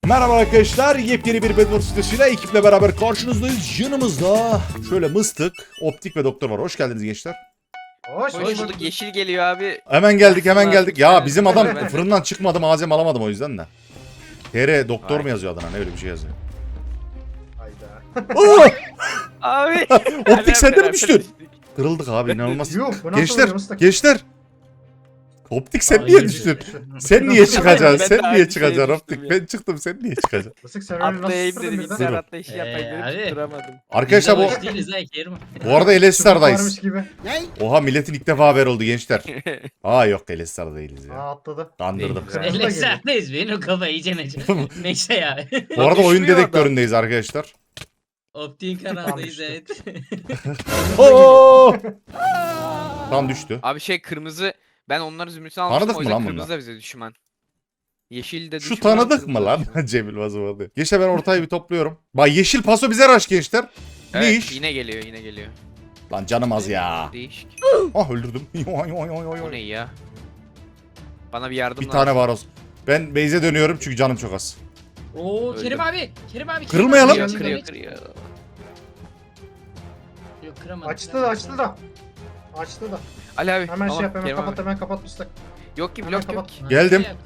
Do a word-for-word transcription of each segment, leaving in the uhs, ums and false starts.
Merhaba arkadaşlar, yepyeni bir Bedwars sitesiyle ekiple beraber karşınızdayız. Yanımızda şöyle Mıstık, Optik ve Doktor var. Hoş geldiniz gençler. Hoş Hoş bulduk. bulduk. Yeşil geliyor abi. Hemen geldik, hemen Allah, geldik. Ya ben- bizim ben- adam ben- fırından çıkmadı, malzeme alamadım o yüzden de. T R Doktor Vay. mu yazıyor adına, ne öyle bir şey yazıyor. Hayda. Oo! Abi. Optik sende mi Beraber düştün? düştük. Kırıldık abi, inanılmaz. Yuh, bu nasıl Gençler, oluyor Mıstık? gençler. Optik sen Aa, niye iyi düştün? düştü. Sen niye çıkacaksın? Ben Sen de niye aynı çıkacaksın şeye Optik? düştüm ya. Ben çıktım, sen niye çıkacaksın? Mıstık sen öyle nasıl Atlayayım sıfırdın dedi birden? bilgisayar Durun. atlayışı Ee, yapayım abi. dedim tutturamadım. Arkadaşlar bu Biz de boş değiliz ha Kerim. bu arada Elestar'dayız. Varmış gibi. Oha, milletin ilk defa haber oldu gençler. Aa yok, Elestar değiliz ya. Aa atladı. Kandırdım. Değil. Kırmızı da geliyor. Eleslerdeyiz benim kafa iyice nece. Neyse ya. Bu arada oyun Düşmüyor dedektöründeyiz arkadaşlar. Optik'in kanalındayız evet. Oo! Tam düştü. Abi şey kırmızı ben onları zümrütünü Tanıdık almıştım o mı yüzden lan kırmızı bunlar? da bize düşman. Yeşil de Şu düşman. tanıdık kırmızı mı da lan? düşman. Cemil Vazıvadı. Gençler ben ortayı bir topluyorum. Bak yeşil paso bize rush gençler. Ne Evet, iş? yine geliyor yine geliyor. Lan canım az ya. Değişik. Ah öldürdüm. Yoy, yoy, yoy, yoy. Bu ne ya? Bana bir yardım Bir tane var olsun. Ben base'e dönüyorum çünkü canım çok az. Oo Öldüm. Kerim abi. Kerim abi. Kerim Kırılmayalım. abi, Kırıyor Kerim kırıyor abi. kırıyor. Yok kıramadım. Açtı da açtı da. Açtı da. Ali abi. Hemen Allah, şey yap hemen Kerim kapat abi. hemen kapat Mıstık. Yok ki Hemen blok yok. kapat. Ha, Geldim. şey yap.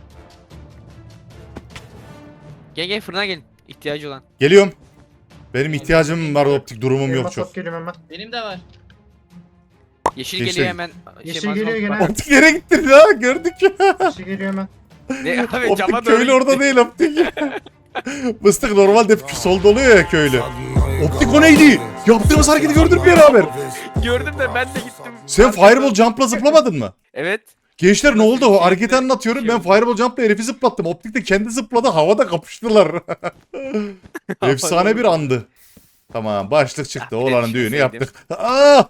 Gel gel fırına gelin. İhtiyacı olan. Geliyorum. Benim ihtiyacım var, optik durumum Elmas yok çok. at geliyorum hemen. Benim de var. Yeşil Yeşil. geliyor hemen. Yeşil malzeme geliyor alıp gene. Optik nereye gittin ya? Gördük ya. Yeşil geliyor hemen. bak. Ne abi cama Optik doğru köylü orada gitti. değil optik. Mıstık normalde hep solda oluyor ya köylü. Optik o neydi? Yaptığımız hareketi gördün mü beraber? Gördüm de ben de gittim. Sen Fireball Jump'la zıplamadın mı? Evet. Gençler ne oldu? O hareketi Şey anlatıyorum. Ben oldu. Fireball Jump'la herifi zıplattım. Optik de kendi zıpladı. Havada kapıştılar. Efsane bir andı. Tamam, başlık çıktı. Ah, bir de Oğlanın düğünü düşünseydim. yaptık. Aa!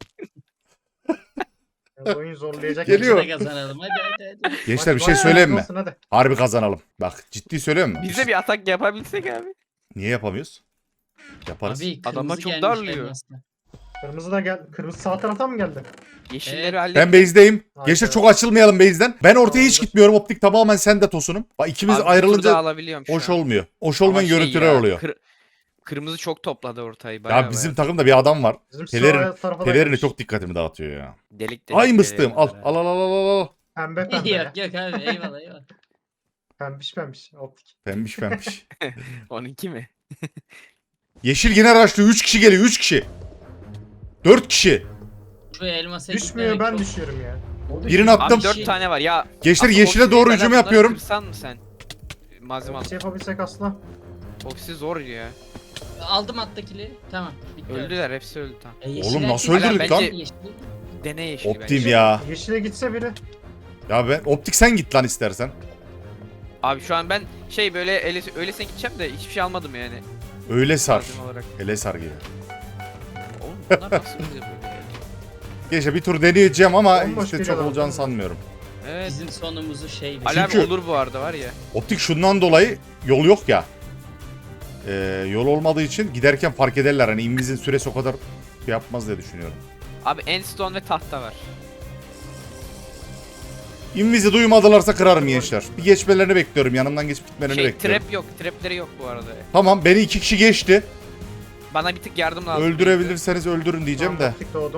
Ya, oyun zorlayacak. Geliyor. Biz de kazanalım hadi hadi hadi. Gençler bir Hadi, şey hadi, söyleyeyim mi? olsun, hadi. Harbi kazanalım. Bak ciddi söylüyorum mu? Biz de bir atak yapabilsek abi. Niye yapamıyoruz? Yaparız. Abi Adama kırmızı çok gelmiş darlıyor. elmasla. Kırmızı da gel. Kırmızı sağ taraftan mı geldi? Yeşilleri Evet. hallet. Ben base'deyim. Hayda. Gençler çok açılmayalım base'den. Ben ortaya hiç Tamamdır. gitmiyorum. Optik tamamen sende tosunum. Bak ikimiz Abi bir tur daha ayrılınca alabiliyorum şu hoş an. olmuyor. Hoş Ama olmayan şey görüntüler ya, oluyor. kır- kırmızı çok topladı ortayı. Bayağı Ya bizim bayağı. takımda bir adam var. Bizim Pelerin- sağ tarafa da Pelerini gelmiş. çok dikkatimi dağıtıyor ya. Delik delik. Ay delik mıstığım. Al delik. al al al al al. Pembe pembe. Yok yok abi eyvallah eyvallah. Pembiş pembiş. Optik. Pembiş pembiş. onunki mi? Yeşil yine araçlı. üç kişi geliyor. üç kişi. dört kişi. Şu elmasa Düşmüyor gitmemek ben çok- düşüyorum ya. Birini attım. Abi dört tane var ya. Gençler Aslında yeşile oksi doğru değil, hücum bunları yapıyorum. Kırsan mı sen? Malzeme al. Bir şey yapabilsek aslında. Oksi zor ya. Aldım attakili. Tamam. Bitti. Öldüler hepsi öldü tamam. E, yeşil Oğlum nasıl erkek- öldürdük Hala lan? bence- Yeşil- Dene yeşil Optim bence. ya. Yeşile gitse biri. Ya ben optik sen git lan istersen. Abi şu an ben şey böyle öyle, öylesine gideceğim de hiçbir şey almadım yani. Öyle sar. Malzeme olarak. Hele sar gibi. Oğlum bunlar nasıl bize böyle ya? Gençler bir tur deneyeceğim ama Bomboş işte bir çok adam. olacağını sanmıyorum. Evet. Bizim sonumuzu şey. Ali abi Çünkü- olur bu arada var ya. Optik şundan dolayı yol yok ya. Ee, yol olmadığı için giderken fark ederler. Hani invizin süresi o kadar şey yapmaz diye düşünüyorum. Abi endstone ve tahta var. Invizi duymadılarsa kırarım gençler. Bir geçmelerini bekliyorum. Yanımdan geçip gitmelerini Şey bekliyorum. trap yok. Trapleri yok bu arada. Tamam, beni iki kişi geçti. Bana bir tık yardım lazım. Öldürebilirseniz öldürün diyeceğim Tamam, de. Optik doğdum.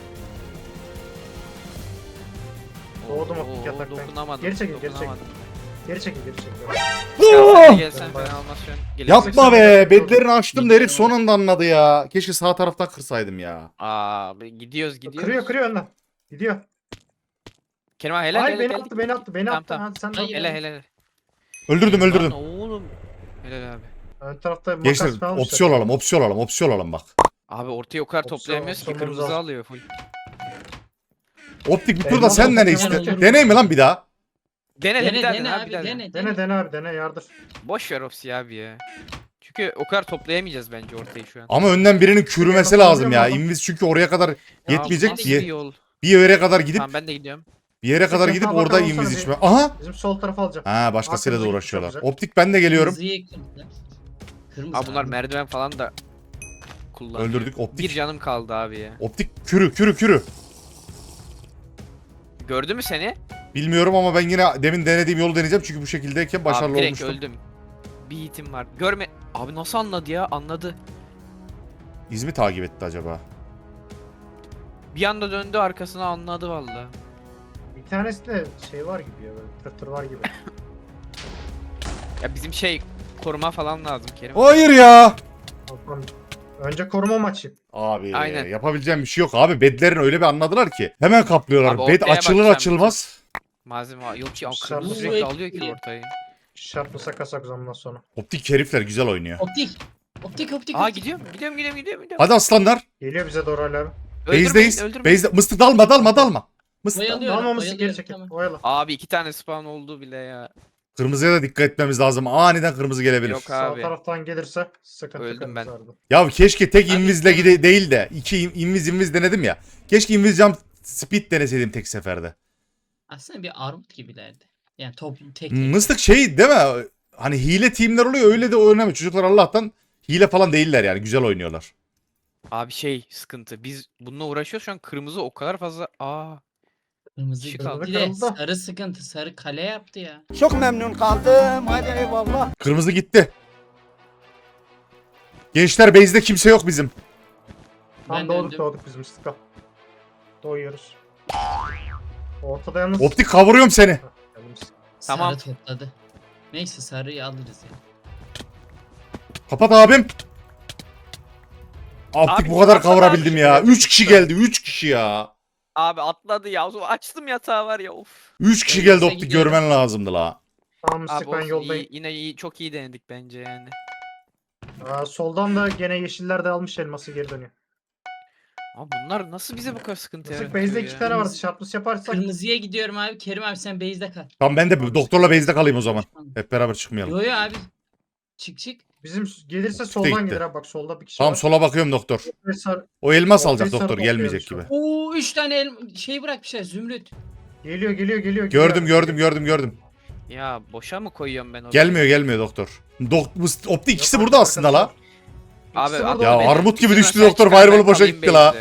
Doğdum Oo, optik yataktan. Dokunamadım. Geri çekil, geri dokunamadım. Geri çekil geri çekil. Sen de gelsen fena olmaz şu an. Gelirsin. Yapma be. Bedlerini açtım da herif son anda anladı ya. Keşke sağ taraftan kırsaydım ya. Abi gidiyoruz gidiyoruz. Kırıyor kırıyor önden. Gidiyor. Kerim abi helal Ay helal. beni helal. attı beni attı beni Tamam, attı. tamam. Hadi sen de Hayır. at. Helal helal. Öldürdüm öldürdüm. Lan oğlum. Helal abi. Ön tarafta makas Gençler falan almışlar. opsiyon alalım opsiyon alalım opsiyon alalım bak. Abi ortaya o kadar Opsiyon- toplayamıyoruz ki opsiyonumuz kırmızı az. alıyor full. Optik bir Eyvallah, turda sen ne opsiyon iste? alalım. Deney mi lan bir daha? Dene dene Dene dene, dene abi abi dene. dene. Dene dene abi dene yardır. Boş ver Opsi abi ya. Çünkü o kadar toplayamayacağız bence ortayı şu an. Ama önden birinin kürümesi Yapalım lazım ya. diyorum Invis çünkü oraya kadar Ya yetmeyecek nasıl diye. bir yol? Bir yere kadar gidip Tamam ben de gidiyorum. bir yere kadar Sen gidip sağa orada bakalım inviz sana içme. Aha! Bizim sol tarafa alacağım. Ha başkasıyla da Arkamıza uğraşıyorlar. gitmiş Optik ben de geliyorum. Kırmızıyı kırmızı. Kırmızı Abi bunlar abi. merdiven falan da kullanıyor. Öldürdük Bir optik. canım kaldı abi ya. Optik kürü kürü kürü. Gördü mü seni? Bilmiyorum ama ben yine demin denediğim yolu deneyeceğim çünkü bu şekildeyken başarılı Abi direkt olmuştum. öldüm. Bir hitim var. Görme. Abi nasıl anladı ya? Anladı. İz mi takip etti acaba? Bir anda döndü arkasına anladı valla. Bir tanesi de şey var gibi ya böyle tır tır var gibi. Ya bizim şey koruma falan lazım Kerim. Hayır ya. Bakalım. Önce koruma maçı. Abi Aynen. yapabileceğim bir şey yok abi. Bedlerin öyle bir anladılar ki. Hemen kaplıyorlar. Abi Bed ortaya açılır bakacağım. açılmaz. Malzeme var. Yok ki Dışarı- kırmızı sürekli alıyor ki ortayı. Şartlı kasak ondan sonra. Optik herifler güzel oynuyor. Optik. Optik optik. Aa optik. gidiyorum. Gidiyorum gidiyorum gidiyorum. gidiyorum. Hadi aslanlar. Geliyor bize doğru hala abi. Öldürmeyin, Base'deyiz. öldürmeyin. Base'de. Mıstık dalma dalma dalma. Mıstık dalma. Oyalıyorum. Dalmaması geri oyalıyorum, çekil. tamam. Oyalı. Abi iki tane spawn oldu bile ya. Kırmızıya da dikkat etmemiz lazım. Aniden kırmızı gelebilir. Yok Sağ abi. taraftan gelirse sıkıntı Öldüm ben. kırmızı arada. Ya keşke tek Abi, invizle tamam. gide değil de iki in- inviz inviz denedim ya. Keşke inviz jump speed deneseydim tek seferde. Aslında bir armut gibilerdi. Yani top tek tek. Mıstık şey değil mi? Hani hile teamler oluyor öyle de oynamıyor. Çocuklar Allah'tan hile falan değiller yani. Güzel oynuyorlar. Abi şey sıkıntı. Biz bununla uğraşıyoruz şu an kırmızı o kadar fazla. Aa. Kırmızı Kişi kaldı. kaldı. Bir de Kırıldı. sarı sıkıntı. Sarı kale yaptı ya. Çok memnun kaldım. Hadi eyvallah. Kırmızı gitti. Gençler base'de kimse yok bizim. Tam Ben doğduk döndüm. doğduk biz Mustafa. Doğuyoruz. Ortada yalnız. Optik kavuruyorum seni. Heh, geldim. Tamam. Sarı topladı. Neyse sarıyı alırız ya. Kapat abim. Optik Abi, bu kadar kapat kavurabildim abi. ya. üç kişi geldi. üç kişi ya. Abi atladı ya. O zaman açtım yatağı var ya of. üç kişi Ben geldi yoksa optik gidiyorum. görmen lazımdı la. Tamam Abi Mustafa ben olsun, yoldayım. iyi, yine iyi, çok iyi denedik bence yani. Aa, soldan da gene yeşiller de almış elması geri dönüyor. Abi bunlar nasıl bize bu kadar sıkıntı Mustafa yaratıyor base'de ya? iki tane vardı. Kırmızı- Şartlısı yaparsak. Kırmızıya gidiyorum abi. Kerim abi sen base'de kal. Tamam ben de doktorla base'de kalayım o zaman. Hep beraber çıkmayalım. Yo yo abi. Çık çık. Bizim gelirse gitti. soldan gelir abi bak solda bir kişi Tamam var. sola bakıyorum doktor. Ve sar- O elmas Ortayı alacak sarı doktor gelmeyecek topluyormuş gibi. Oo üç tane el şey bırakmışlar zümrüt. Geliyor geliyor geliyor. Gördüm geliyor. gördüm gördüm gördüm. Ya boşa mı koyuyorum ben orayı? Gelmiyor gelmiyor doktor. Dok Mıst- optik ikisi Yok, burada arka aslında la. arkası Abi İkisi at burada. Ya beni. armut gibi Bizim düştü aşağı doktor, çıkar, ben fireball'u boşa kalayım gitti la. base'de.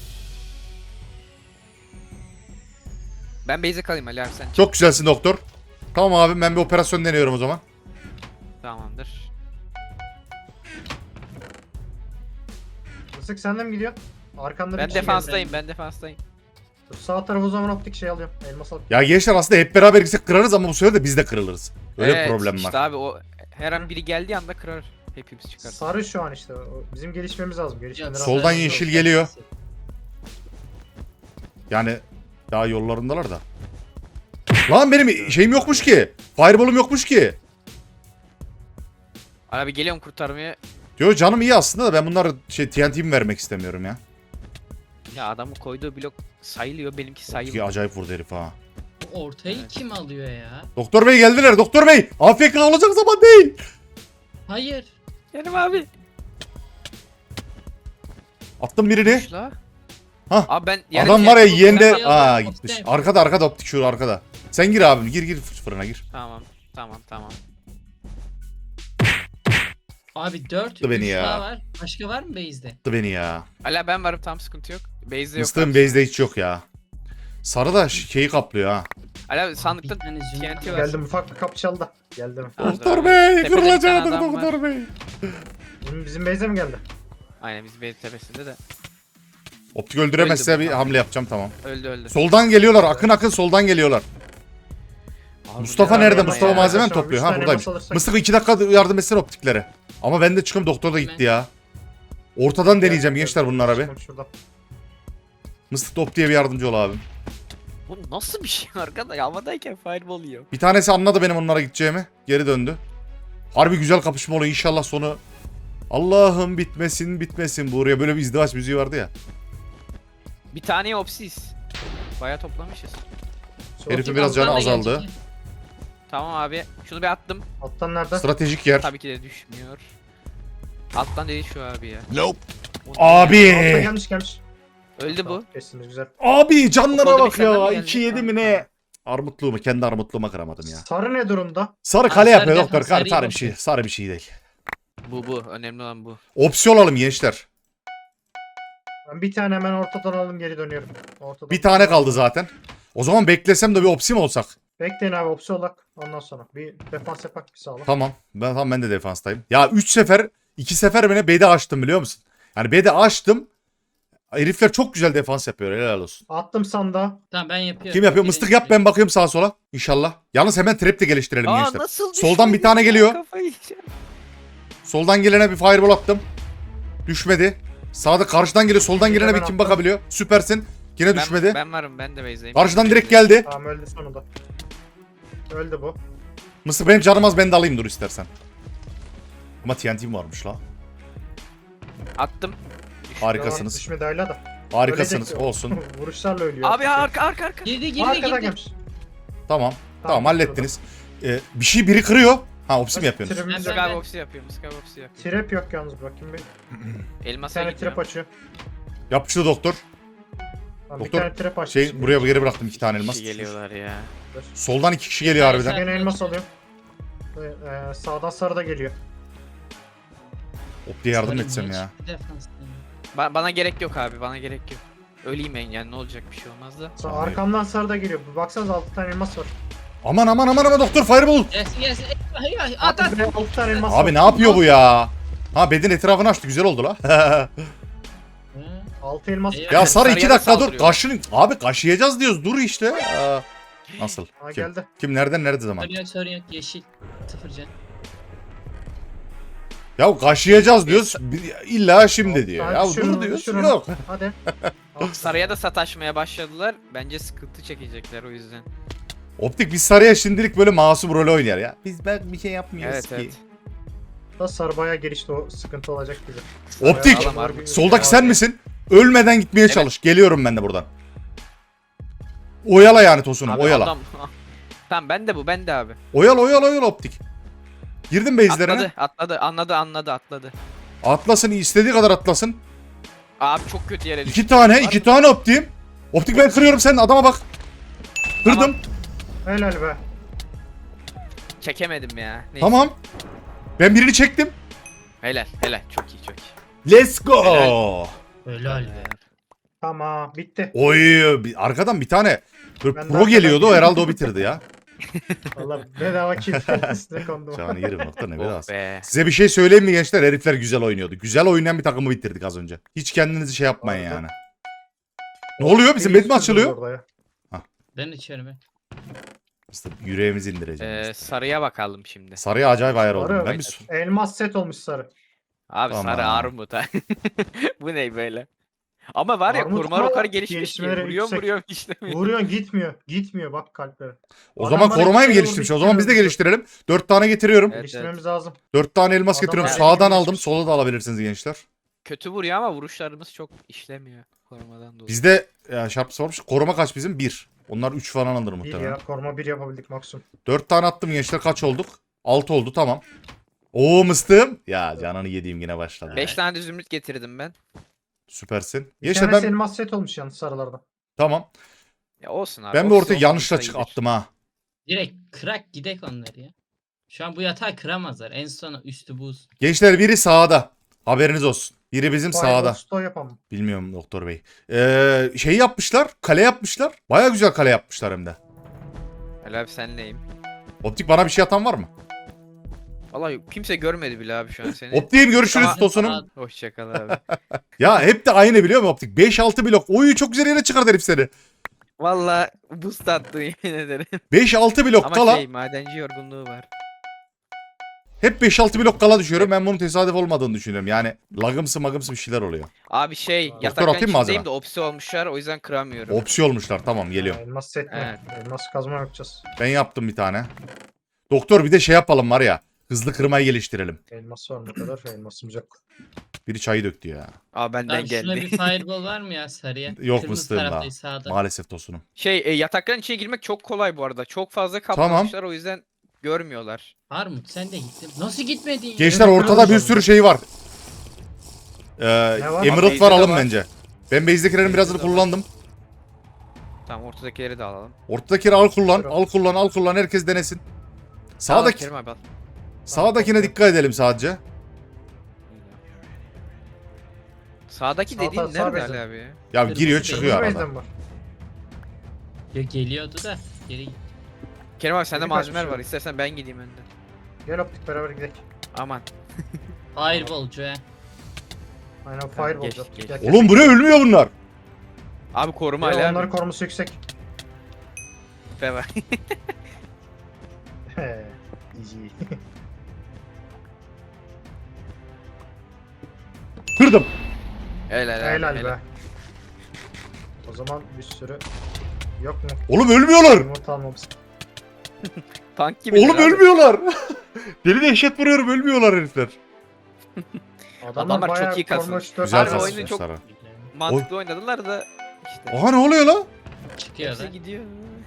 Ben base'e kalayım Ali abi sen çık. Çok güzelsin doktor. Tamam abi ben bir operasyon deniyorum o zaman. Tamamdır. Mısık senden mi gidiyor? Arkanda bir Ben kişi geldi. defanstayım ben defanstayım. Dur, sağ tarafı o zaman optik şey alıyorum. Elmas alıyorum. Ya gençler aslında hep beraber gitsek kırarız ama bu sefer de biz de kırılırız. Öyle Evet, bir problem işte var. abi o her an biri geldiği anda kırar. Hepimiz çıkar. Sarı şu an işte. O- Bizim gelişmemiz lazım. Gelişmeleri Yok, Soldan sarı yeşil yok. geliyor. Yani daha yollarındalar da. Lan benim şeyim yokmuş ki. Fireball'um yokmuş ki. Abi geliyorum kurtarmaya. Diyor canım iyi aslında da ben bunları şey T N T'mi vermek istemiyorum ya. Ya adamın koyduğu blok sayılıyor benimki Ki sayılmıyor. acayip vurdu herif ha. Bu ortayı Evet. kim alıyor ya? Doktor bey geldiler doktor bey. A F K olacak zaman değil. Hayır. Benim abi. Attım birini. Düş la. Hah. Abi ben yani Adam var ya şey- yeğen de... Optik- Aa optik- gitmiş. Arkada arkada optik şu arkada. Sen gir abim gir gir fırına gir. Tamam tamam tamam. Abi dört. Attı beni üç ya. daha var. Başka var mı base'de? Attı beni ya. Hala ben varım tam sıkıntı yok. Base'de yok. Mıstığın abi. base'de hiç yok ya. Sarı da ş- şeyi kaplıyor ha. Hala sandıkta Bir tane zümrüt T N T var. var. Geldim ufak bir kapı çaldı. Geldim. Tamam. Doktor bey Tepede bir tane kırılacaktır adam var. doktor bey. Bizim, bizim base'e mi geldi? Aynen biz base tepesinde de. Optik öldüremezse Öldü bu, bir tamam. hamle yapacağım tamam. Öldü öldü. Soldan geliyorlar akın akın soldan geliyorlar. Abi Mustafa ne nerede? arama Mustafa ya? malzeme mi Arkadaşlar, topluyor? üç Ha tane buradaymış. elmas alırsak- Mustafa iki dakika yardım etsene optiklere. Ama ben de çıkım doktor da gitti ya. Ortadan deneyeceğim gençler bunlara be. Çıkın şuradan. Mıstık top diye bir yardımcı ol abi. Bu nasıl bir şey arkadaş? Havadayken fireball yiyor. Bir tanesi anladı benim onlara gideceğimi. Geri döndü. Harbi güzel kapışma oluyor inşallah sonu. Allah'ım bitmesin bitmesin. Buraya böyle bir izdivaç müziği vardı ya. Bir tane opsiz. Baya toplamışız. Sol- Herifin Optik biraz canı alttan da azaldı. gelecek. Tamam abi. Şunu bir attım. Alttan nerede? Stratejik yer. Tabii ki de düşmüyor. Alttan dedi şu abi ya. Nope. O ne Altta Abi. gelmiş gelmiş. Öldü bu. Kesiniz güzel. Abi canlara Okulda bak bir senden ya. mi geldi? iki yedi mi ne? Armutluğumu kendi armutluğuma kıramadım ya. Sarı ne durumda? Sarı Abi kale sarı yapıyor defans, doktor. Sarı, sarıyı sarı bir boş şey. ver. Sarı bir şey değil. Bu bu. Önemli olan bu. Opsiyon alalım gençler. Ben bir tane hemen ortadan alalım geri dönüyorum. Ortadan. Bir tane kaldı zaten. O zaman beklesem de bir opsi mi olsak? Bekleyin abi opsiyon olarak. Ondan sonra bir defans yapak bir sağlam. Tamam. Ben tamam ben de defanstayım. Ya üç sefer iki sefer beni bedi açtım biliyor musun? Yani bedi açtım. Herifler çok güzel defans yapıyor. Helal olsun. Attım sandığa. Tamam ben yapıyorum. Kim yapıyor? Biri- Mıstık yap, ben bakıyorum sağa sola. İnşallah. Yalnız hemen trap de geliştirelim Aa gençler. nasıl Soldan bir düşmedi tane ya? geliyor. Kafayı yiyeceğim. Soldan gelene bir fireball attım. Düşmedi. Sağda karşıdan geliyor. Soldan gelene bir Ben kim attım. bakabiliyor. Süpersin. Yine Ben, düşmedi. ben varım ben de base'deyim. Karşıdan direkt geldi. Tamam öldü sonunda. Öldü bu. Mısır benim canım az, ben de alayım dur istersen. Ama T N T'm varmış la. Attım. Harikasınız. Devam, düşmedi hala da. Harikasınız. Ölecek. Olsun. Vuruşlarla ölüyor. Abi arka arka arka. Girdi girdi Arkadan girdi. gelmiş. Tamam. Tamam, Tamam, hallettiniz. Ee, bir şey biri kırıyor. Ha ofisi mi yapıyorsunuz? Trap'imiz Ben- yok. Sky box'u yapıyorum. Sky box'u yapıyorum. Trap yok yalnız bakayım bir. Bir Elmas'a tane gidiyorum. trap açıyor. Yapıştı doktor. Tamam, bir Doktor, tane trap açtı. Şey şimdi. buraya geri bıraktım iki tane İki elmas. kişi geliyorlar ya. Soldan iki kişi geliyor harbiden. Gene elmas alıyor. Ee, sağdan sarı da geliyor. Opti'ye yardım Sarı etsem geç, ya. defans. Ba- bana gerek yok abi bana gerek yok. Öleyim ben yani ne olacak bir şey olmaz da. Sa- Ay. arkamdan sarı da geliyor. Baksanıza altı tane elmas var. Aman aman aman aman doktor fireball. Gelsin gelsin. Ay, ay, At at. Abi altı tane elmas var. Abi ne yapıyor bu ya? Ha bedin etrafını açtı, güzel oldu la. Hı. altı elmas. Ya ya Sarı iki Sarıya da dakika dur. saldırıyor. Kaşın. Abi kaşıyacağız diyoruz, dur işte. Aa, nasıl? Ha, Kim? geldi. Kim nereden nerede zaman? Sorun yok sorun yok yeşil. Sıfır can. Ya kaşıyacağız diyoruz. bir- İlla şimdi diyor. Altı Ya tane düşürün, dur diyoruz. düşürün. Yok. Hadi. Sarıya da sataşmaya başladılar. Bence sıkıntı çekecekler o yüzden. Optik biz Sarıya şimdilik böyle masum rol oynar ya. Biz ben bir şey yapmıyoruz Evet ki. evet. Da sarı bayağı gelişti, o sıkıntı olacak gibi. Optik. Bayağı adamlar bir- Soldaki sen Abi, misin? Ölmeden gitmeye Evet. çalış. Geliyorum ben de buradan. Oyala yani Tosun'um, Abi oyala. adam- Tamam ben de bu ben de abi. Oyala oyala oyala Optik. Girdim base'lerine. Atladı atladı anladı anladı atladı. Atlasın, istediği kadar atlasın. Abi çok kötü yere düştü. İki tane, iki tane Optik'im. Optik ben kırıyorum, sen adama bak. Kırdım. Helal be. Çekemedim ya. Neyse. Tamam. Ben birini çektim. Helal helal çok iyi çok iyi. Let's go. Helal. Helal be. Tamam bitti. Oy, bir- arkadan bir tane böyle Ben de pro arkadan geliyordu, o girdim. herhalde o bitirdi ya. Valla bedava kill üstüne kondum. Canı yerim nokta ne biraz. Oh be. Size bir şey söyleyeyim mi gençler? Herifler güzel oynuyordu. Güzel oynayan bir takımı bitirdik az önce. Hiç kendinizi şey yapmayın Harika. yani. Ne oluyor? Bizim bed mi açılıyor? Orada ya. Ben içiyorum ben. İşte yüreğimizi indireceğiz. Ee, sarıya bakalım şimdi. Sarıya acayip ayar oldum. Sarı. Ben bir su- Elmas set olmuş sarı. Abi Tamam. sarı armut ha. Bu ne böyle? Ama var ya Armut koruma ama yukarı gelişmiş ki. gelişmeleri Vuruyor yüksek. vuruyor işlemiyor. Vuruyorsun gitmiyor. Gitmiyor bak kalpleri. O Adam zaman bana korumayı mı iki geliştirmiş? vurdu, O zaman iki biz de vurdu. geliştirelim. Dört tane getiriyorum. Evet, Geliştirmemiz lazım. Dört tane elmas Adam getiriyorum. bayağı Sağdan gelişmiş. aldım. Sola da alabilirsiniz gençler. Kötü vuruyor ama vuruşlarımız çok işlemiyor. Korumadan dolayı. Bizde ya şarp sormuş. Koruma kaç bizim? Bir. Onlar üç falan alır Bir muhtemelen. ya koruma bir yapabildik maksimum. Dört tane attım gençler. Kaç olduk? Altı oldu, tamam. Oo mıstığım. Ya canını yediğim yine başladı. Beş tane de zümrüt getirdim ben. Süpersin. Bir Gençler tanesi ben... elmas set olmuş yalnız sarılarda. Tamam. Ya olsun abi. Ben bir ofis ortaya olsun, yanlışla sayılır. çık attım ha. Direkt kırak gidek onları ya. Şu an bu yatağı kıramazlar. En son üstü buz. Gençler biri sağda. Haberiniz olsun. Biri bizim sağda. Stone yapalım. Bilmiyorum doktor bey. Ee, şey yapmışlar. Kale yapmışlar. Baya güzel kale yapmışlar hem de. Helal abi senleyim. Optik bana bir şey atan var mı? Vallahi kimse görmedi bile abi şu an seni. Optik'im görüşürüz Ama- Tosun'um. Hoşçakal abi. Ya hep de aynı biliyor musun Optik? beş altı blok. Oyu çok güzel yere çıkardı herif seni. Vallahi boost attı yemin ederim. beş altı blok Ama kala. şey madenci yorgunluğu var. Hep beş altı blok kala düşüyorum. Ben bunun tesadüf olmadığını düşünüyorum. Yani lagımsı magımsı bir şeyler oluyor. Abi şey Doktor yatakların atayım mı içindeyim acaba? de opsi olmuşlar o yüzden kıramıyorum. Opsi olmuşlar. Tamam geliyorum. Ha, elmas set mi? Evet. Elmas kazma yapacağız. Ben yaptım bir tane. Doktor bir de şey yapalım var ya. Hızlı kırmayı geliştirelim. Elmas var ne kadar elmasımız yok. Biri çayı döktü ya. Aa benden Abi şuna geldi. bir fireball var mı ya sarıya? Yok Kırmızı mıstığım daha. taraftayız sağda. Maalesef Tosun'um. Şey e, yatakların içine girmek çok kolay bu arada. Çok fazla kaplamışlar o yüzden görmüyorlar. Armut sen de gittin. Nasıl gitmedin ya? Gençler Evet, ortada bir kırmızı. sürü şey var. Ee, Ne var? Emerald Base'de var de alın var. bence. Ben base'dekilerin birazını Base'de de var. kullandım. Tamam ortadakileri de alalım. Ortadakileri al kullan, Buyurun. al kullan, al kullan, herkes denesin. Al Sağdaki, Kerim abi al. sağdakine dikkat edelim sadece. Sağdaki Sağ dediğin taraf, sağ nerede bezde. Ali abi ya? Ya Kırmızı giriyor beyaz. çıkıyor Kırmızı arada. base'den var. Ya geliyordu da geri gitti. Kerim abi sende Delik malzemeler açmış var. İstersen ben gideyim önden. Gel optik beraber gidelim. Aman. Fireballcu he. Aynen Tamam, fireball geç, yaptık. geç. Gel, Oğlum buraya ölmüyor bunlar. Abi koruma gel. Ali Ya abi. onların koruması yüksek. Tipe bak. He, G G. Kırdım. Helal abi. Helal helal. be. O zaman bir sürü yok mu? Oğlum ölmüyorlar. Yumurta almamız. Tank gibi. Oğlum ölmüyorlar. Deli dehşet vuruyorum, ölmüyorlar herifler. Adamlar çok bayağı iyi kasmış. korumuş, dört Güzel Harbi tane oyunu var. çok- kasmışlar. Mantıklı oynadılar da işte. Aha ne oluyor lan? Çıkıyor da. Hepsi gidiyor.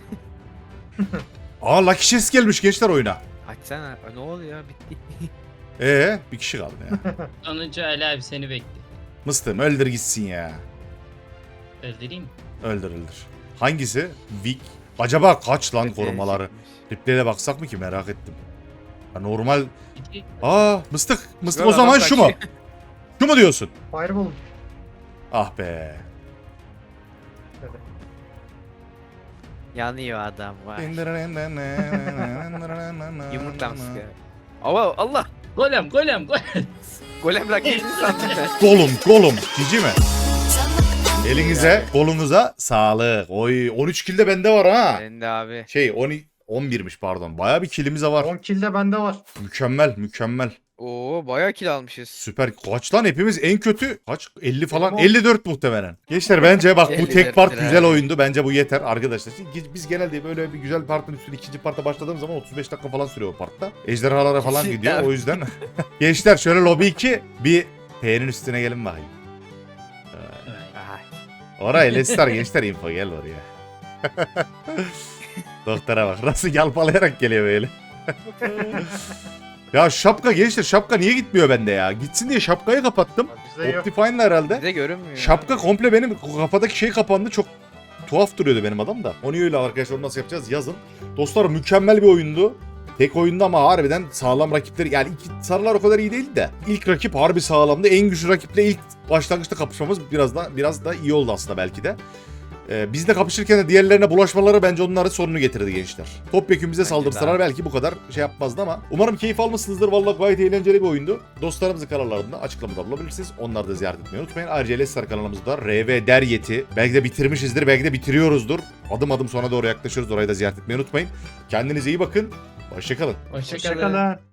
Aa Lucky Chess gelmiş gençler oyuna. Açsana. Aa, ne oluyor ya bitti. Ee bir kişi kaldı ya. Sonuncu Ali abi seni bekliyor. Mıstım öldür gitsin ya. Öldüreyim mi? Öldür öldür. Hangisi? Vic. Acaba kaç lan korumaları? Çekmiş. Replere baksak mı ki, merak ettim. Ha, normal. İki. Aa mıstık. Mıstık Yok, o zaman adam şu mu? kaçıyor. Şu mu diyorsun? Fireball. Ah be. Yanıyor adam var. Yumurtlamış ya. Ama Allah. Golem golem golem. Golem rakibini sandım ben. Golum golum. Cici mi? Elinize kolunuza sağlık. Oy on üç kill de bende var ha. Ben de abi. Şey on on birmiş pardon. Bayağı bir killimiz de var. on kill de bende var. Mükemmel mükemmel. Oo bayağı kill almışız. Süper. Kaç lan hepimiz en kötü? Kaç? elli falan. Benim o- elli dört muhtemelen. Gençler bence bak bu elli tek dört part lira. güzel oyundu. Bence bu yeter arkadaşlar. Şimdi biz genelde böyle bir güzel partın üstüne ikinci parta başladığımız zaman otuz beş dakika falan sürüyor o partta. Ejderhalara falan Cidden. gidiyor o yüzden. Gençler şöyle lobi iki bir P'nin üstüne gelin bakayım. Aha. Oraya Lestar gençler info gel oraya. Doktora bak nasıl yalpalayarak geliyor böyle. Ya şapka gençler, şapka niye gitmiyor bende ya? Gitsin diye şapkayı kapattım. Bizde yok. Optifine'la herhalde. Bize görünmüyor. Şapka abi. komple benim kafadaki şey kapandı, çok tuhaf duruyordu benim adam da. Onu öyle arkadaşlar, onu nasıl yapacağız yazın. Dostlar mükemmel bir oyundu. Tek oyunda ama harbiden sağlam rakipleri, yani iki sarılar o kadar iyi değildi de ilk rakip harbi sağlamdı. En güçlü rakiple ilk başlangıçta kapışmamız biraz da biraz da iyi oldu aslında belki de. Ee, biz de kapışırken de diğerlerine bulaşmaları bence onların sorunu getirdi gençler. Topyekun bize Bence saldırsalar de. belki bu kadar şey yapmazdı ama umarım keyif almışsınızdır. Vallahi gayet eğlenceli bir oyundu. Dostlarımızın kanallarında açıklamada bulabilirsiniz. Onları da ziyaret etmeyi unutmayın. Ayrıca Lestar kanalımızda R V Deryet'i belki de bitirmişizdir, belki de bitiriyoruzdur. Adım adım sona doğru yaklaşıyoruz. Orayı da ziyaret etmeyi unutmayın. Kendinize iyi bakın. Hoşçakalın. Hoşçakalın. Hoşçakalın.